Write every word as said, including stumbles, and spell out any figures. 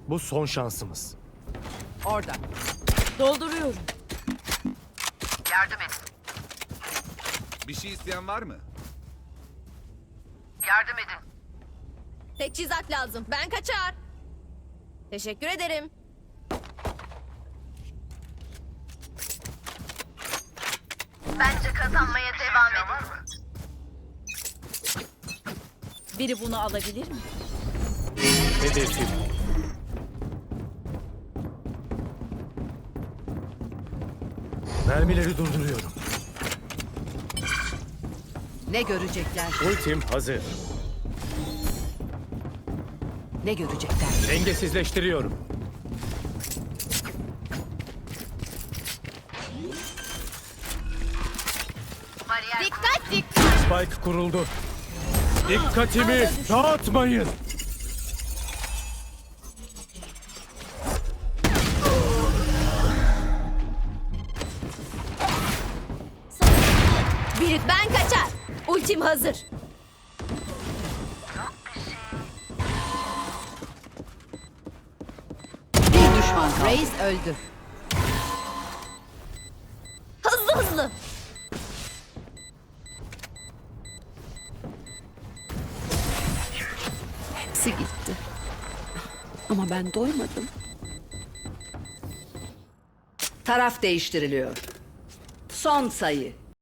Bu son şansımız. Orada. Dolduruyorum. Yardım edin. Bir şey isteyen var mı? Yardım edin. Teçhizat lazım. Ben kaçar. Teşekkür ederim. Bence kazanmaya devam edin. Biri bunu alabilir mi? Hedefim. Mermileri durduruyorum. Ne görecekler? Ultim hazır. Ne görecekler? Dengesizleştiriyorum. Bariyer Dikkat dikkat. Spike kuruldu. Dikkatimi dağıtmayın. Biri ben kaçar. Ultim hazır. Bir düşman kaldı. Reis öldü. Hızlı hızlı. Hepsi gitti. Ama ben doymadım. Taraf değiştiriliyor. Son sayı.